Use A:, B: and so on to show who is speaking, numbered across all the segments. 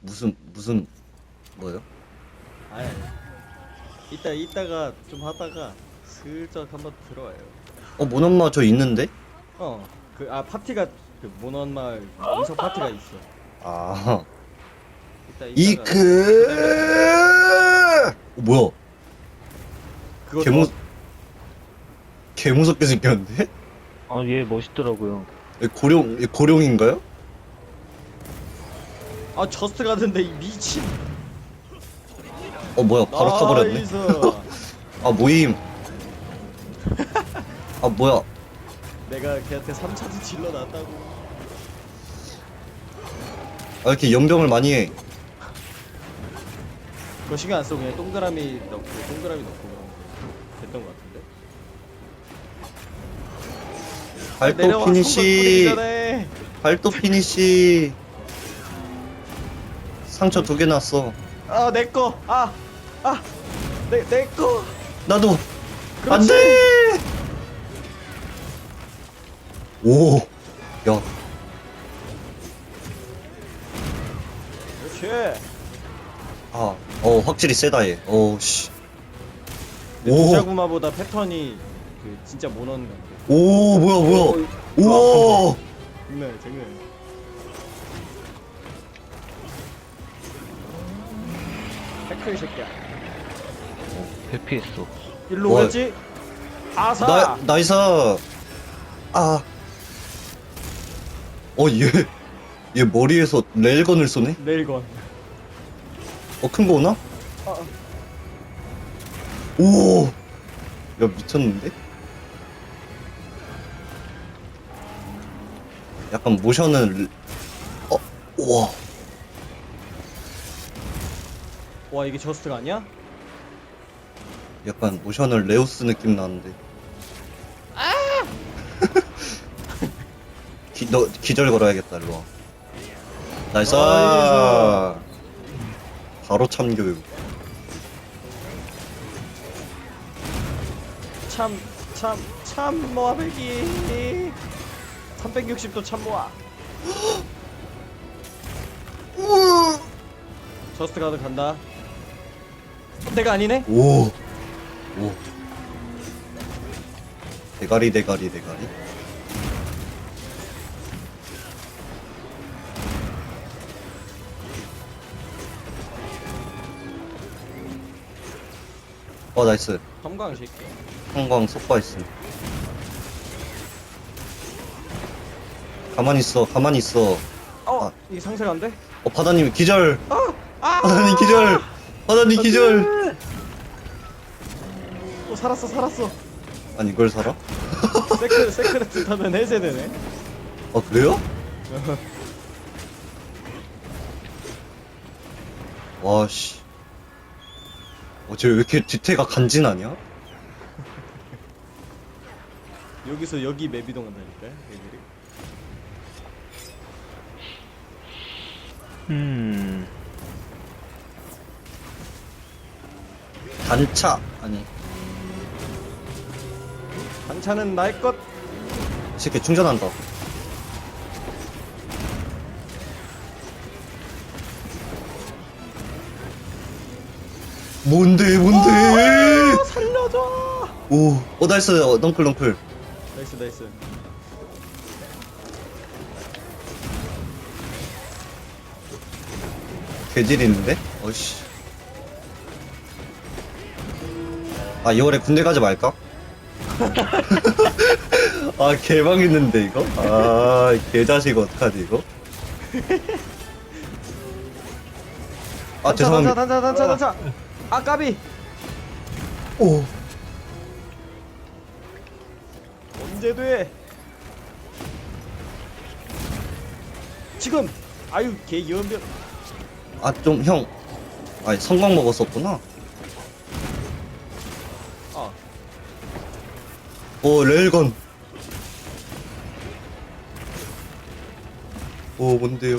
A: 무슨 뭐요?
B: 아니 이따가 좀 하다가 슬쩍 한번 들어와요.
A: 모넌마 저 있는데?
B: 파티가 그 모넌마을 인석 파티가 있어.
A: 아
B: 이따가
A: 이크 뭐야?
B: 그거
A: 개무 개무섭게 생겼는데?
C: 아, 얘 멋있더라고요.
A: 얘 고룡인가요?
B: 저스트 가던데 이 미친.
A: 뭐야 바로 타버렸네.
B: 나이스.
A: 모임. 뭐야?
B: 내가 걔한테 3차도 질러놨다고.
A: 이렇게 연병을 많이 해.
B: 그거 신경 안 쓰고 그냥 동그라미 넣고 그러면 됐던 것 같은데.
A: 발도
B: 내려와,
A: 피니시.
B: 손 전에.
A: 발도 피니시. 상처 2개 났어.
B: 내꺼. 내꺼.
A: 나도.
B: 그렇지.
A: 안돼. 오. 야.
B: 그렇지.
A: 확실히 세다 얘. 씨.
B: 도자구마보다 패턴이 그 진짜 모넌 같아.
A: 오 뭐야. 우와.
B: 장난. 태클 이 새끼야.
C: 회피했어.
B: 일로
A: 와.
B: 오겠지? 아사.
A: 나이스. 얘 머리에서 레일건을 쏘네?
B: 레일건.
A: 큰 거 오나? 오! 야, 미쳤는데? 약간 모션은, 우와.
B: 와 이게 저스트가 아니야?
A: 약간 모션을 레오스 느낌 나는데. 너 기절 걸어야겠다, 일로 와. 나이스!
B: 나이스.
A: 바로 참교육.
B: 참모아 배기 360도 참모아. 저스트 가드 간다. 내가 아니네?
A: 오. 대가리. 나이스.
B: 섬광 새끼.
A: 형광 속바 있음. 가만히 있어.
B: 이게 상세가 안 돼?
A: 바다님 기절. 바다님 기절. 바다님 기절.
B: 살았어.
A: 아니 이걸 살아?
B: 세크레트 타면 해제되네.
A: 그래요? 와씨. 쟤 왜 이렇게 뒤태가 간지나냐?
B: 여기서 여기 맵 이동한다니까 얘들이.
A: 단차. 아니
B: 반찬은 나의 것.
A: 이 새끼 충전한다. 뭔데?
B: 살려줘.
A: 나이스. 넝클.
B: 나이스.
A: 개질 있는데? 어이씨. 2월에 군대 가지 말까? 개방 있는데 이거? 개자식 어떡하지 이거? 죄송합니다.
B: 단차. 까비.
A: 오.
B: 언제 돼? 지금. 아유 개 연변.
A: 좀 형. 성광 먹었었구나. 레일건. 뭔데요?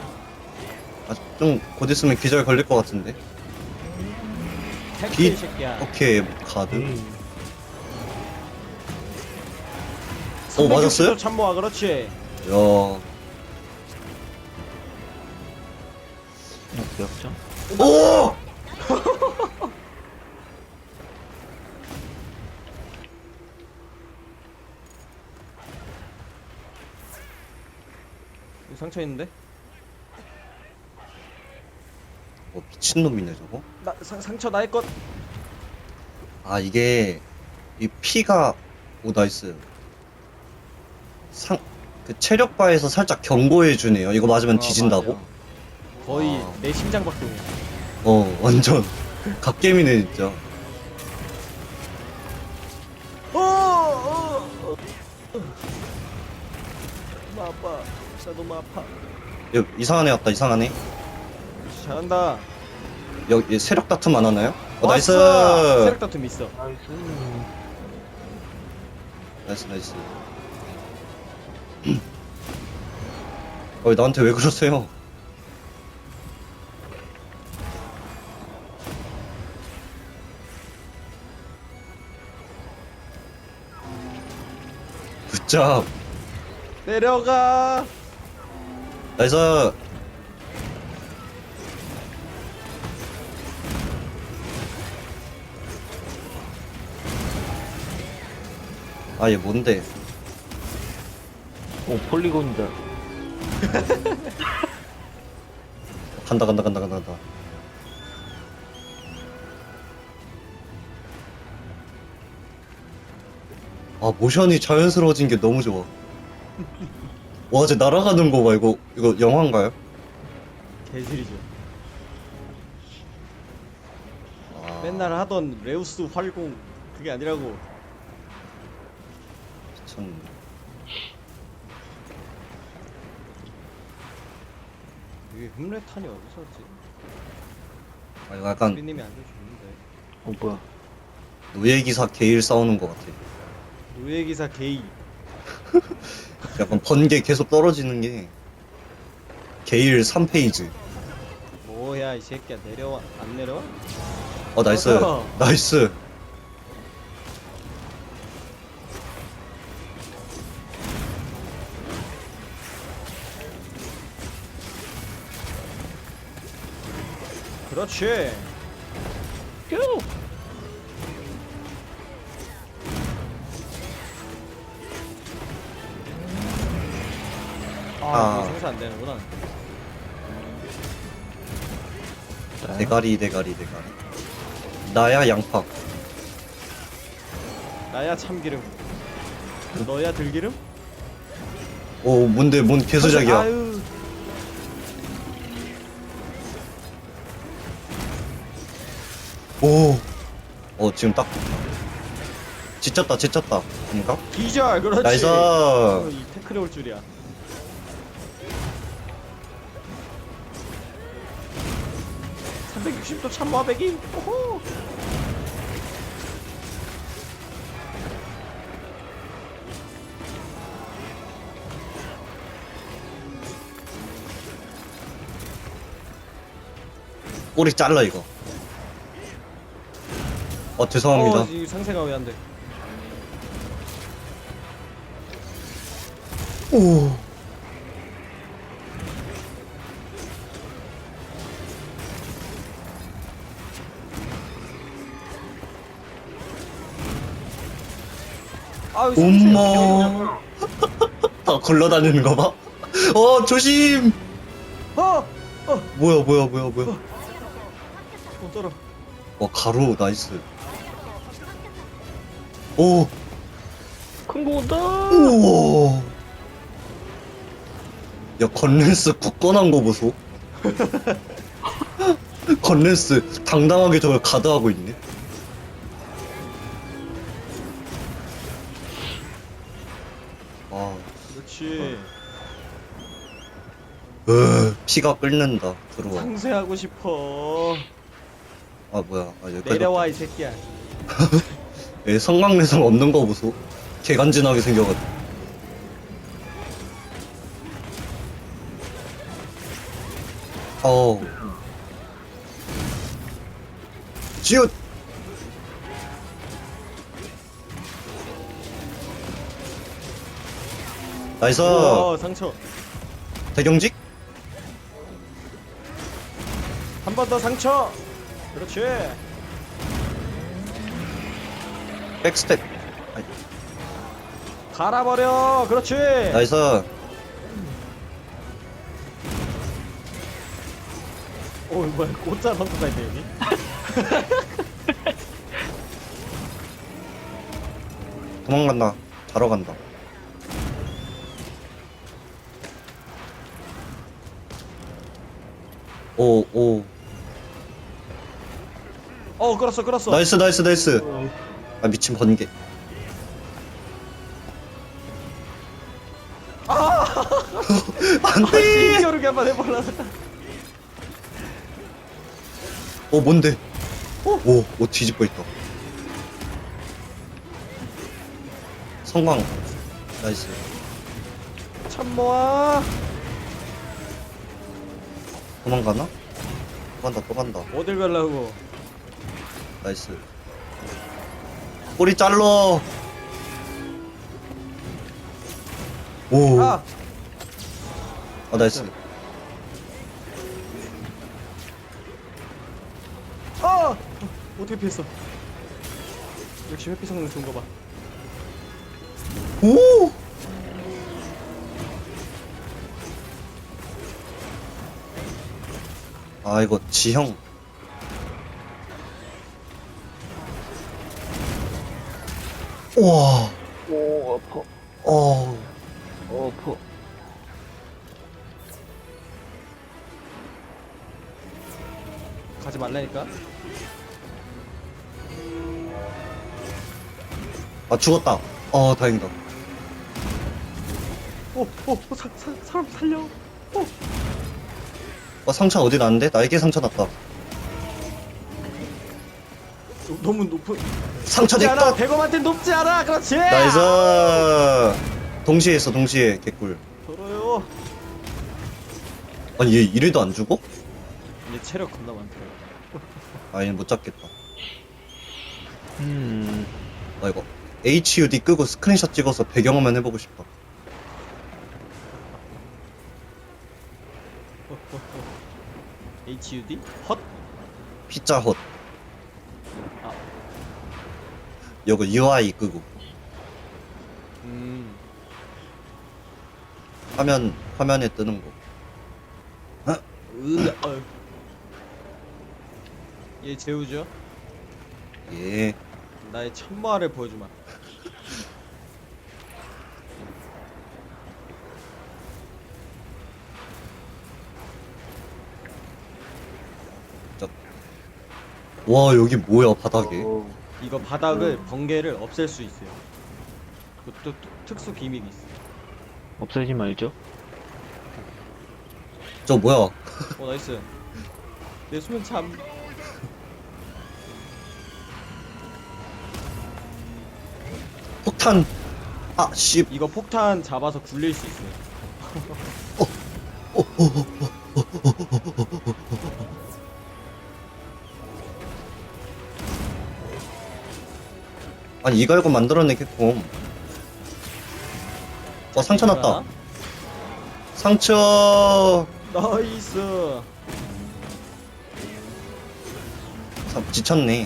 A: 좀 곧 있으면 기절 걸릴 것 같은데.
B: 태클 이 새끼야.
A: 오케이 가드.
B: 360도
A: 맞았어요?
B: 참모아. 그렇지.
A: 야.
C: 역전.
A: 오!
B: 여기 상처 있는데?
A: 미친놈이네 저거.
B: 나 상처 나의 것.
A: 아 이게 이 피가 오 나이스. 그 체력 바에서 살짝 경고해 주네요. 이거 맞으면 뒤진다고?
B: 맞아. 거의
A: 아.
B: 내 심장 박동이야.
A: 완전 갓겜이네 진짜.
B: 너무 아파. 진짜 너무 아파.
A: 야, 이상한 애 왔다. 이상한 애.
B: 잘한다.
A: 여기 세력 다툼 안 하나요? 나이스.
B: 왔어! 세력 다툼 있어.
C: 나이스.
A: 나이스 나이스. 나한테 왜 그러세요? 굿잡.
B: 내려가.
A: 나이스. 아 얘 뭔데?
C: 오, 폴리곤이다.
A: 간다 간다 간다 간다 간다. 아 모션이 자연스러워진 게 너무 좋아. 와, 쟤 날아가는 거 봐. 이거 영화인가요?
B: 개질이죠.
A: 아,
B: 맨날 하던 레우스 활공 그게 아니라고.
A: 미쳤네.
B: 이게 흠레탄이 어디서 왔지?
A: 아 이거 약간
B: 피님이 알려주는데.
C: 뭐야.
A: 노예기사 게일 싸우는 거 같아.
B: 노예기사 게이.
A: 약간 번개 계속 떨어지는 게 게일 3페이지.
B: 뭐야 이 새끼야, 내려와. 안 내려와?
A: 나이스.
B: 맞아.
A: 나이스.
B: 그렇지.
C: 뀨!
A: 아.
B: 이거 생사 안 되는구나.
A: 대가리. 나야 양파.
B: 나야 참기름. 너야 들기름?
A: 오 뭔데 뭔 개수작이야.
B: 아유.
A: 오. 지금 딱 지쳤다. 아닌가?
B: 기절. 그렇지.
A: 나이스.
B: 이 태클이 올 줄이야. (360도) 참마배기. 오호.
A: 꼬리 잘라 이거. 죄송합니다.
B: 이 상세가 왜 안 돼?
A: 오.
B: 아유, 상세.
A: 엄마. 다 굴러다니는 거 봐. 조심.
B: 어.
A: 뭐야.
B: 떨어.
A: 가루 나이스. 오.
C: 큰 거 온다!
A: 우와. 야 건랜스 굳건한 거 보소. 건랜스 당당하게 저걸 가드하고 있네.
B: 그렇지.
A: 피가 끓는다. 들어와.
B: 상세하고 싶어.
A: 뭐야. 여기까지.
B: 내려와 이 새끼야.
A: 얘 성강내성 없는 거 보소. 개간지나게 생겨가지고. 지읒. 나이스.
B: 상처.
A: 대경직.
B: 번 더 상처. 그렇지.
A: 백스텝. 아이,
B: 갈아버려. 그렇지.
A: 나이스.
B: 오 뭐야 꽃자 선수가 있네 여기.
A: 도망간다. 자러 간다. 오, 오.
B: 끌었어 끌었어.
A: 나이스, 나이스, 나이스. 아, 미친 번개. 안 돼!
B: 힘겨루기 한번 해볼라.
A: 뭔데? 오, 뒤집어 있다. 성광. 나이스.
B: 참모아.
A: 도망가나? 또 간다, 또 간다.
B: 어딜 갈라고.
A: 나이스. 꼬리 잘러. 오.
B: 아.
A: 나이스.
B: 어떻게 피했어? 역시 회피 성능 좋은 거 봐.
A: 오. 아, 이거 지형. 우와.
C: 오, 아파. 아파.
B: 가지 말라니까.
A: 죽었다. 다행이다.
B: 사람 살려.
A: 상처 어디 났는데? 나에게 상처 났다.
B: 너무 높은.
A: 상처
B: 높지 않아.
A: 냈다.
B: 대검한테 높지 않아. 그렇지.
A: 나이스. 동시에 했어, 동시에. 개꿀.
B: 더러요.
A: 아니, 얘 이래도 안 죽어?
B: 얘 체력 겁나 많더라.
A: 얘는 못 잡겠다. 이거 HUD 끄고 스크린샷 찍어서 배경화면 해보고 싶다.
B: HUD? 헛?
A: 피자헛.
B: 아.
A: 이거 UI 끄고 화면에 뜨는 거.
B: 얘 재우죠?
A: 예.
B: 나의 천마를 보여주마.
A: 와, 여기 뭐야, 바닥에.
B: 이거 바닥을 번개를 없앨 수 있어요. 그것도 특수 기믹이 있어.
C: 없애지 말죠.
A: 저 뭐야.
B: 나이스. 내 수면 참.
A: 폭탄. 씨.
B: 이거 폭탄 잡아서 굴릴 수 있어요.
A: 아니, 이거 알고 만들어내, 캡콤. 상처 났다. 상처.
B: 나이스.
A: 지쳤네.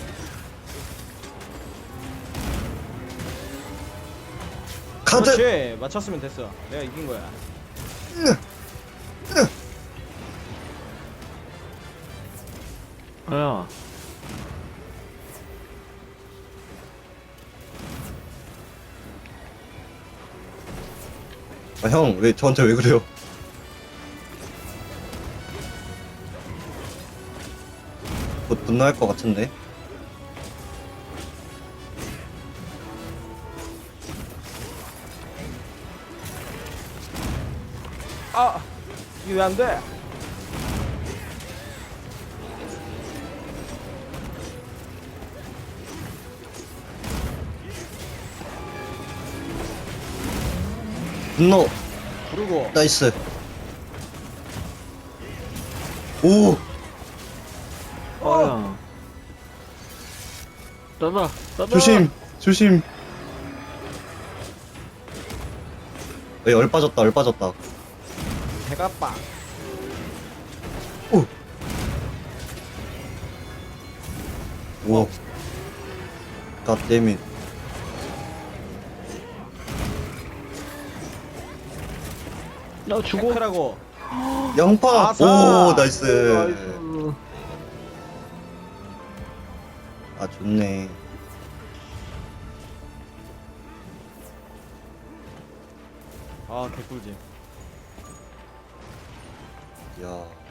A: 카드.
B: 그렇지. 맞췄으면 됐어. 내가 이긴 거야.
C: 야,
A: 형, 저한테 왜 그래요? 곧 분노할 것 같은데.
B: 이게 왜 안 돼?
A: 분노.
B: 부르고.
A: 나이스. 오.
C: 야. 따다.
A: 조심. 조심. 얼 빠졌다. 얼 빠졌다.
B: 배가 빠.
A: 오. 오. 갓데밋.
C: 나 죽어.
B: 체크라고.
A: 양파.
B: 아싸!
A: 오, 나이스.
C: 나이스.
A: 아, 좋네.
B: 아 개꿀잼.
A: 야.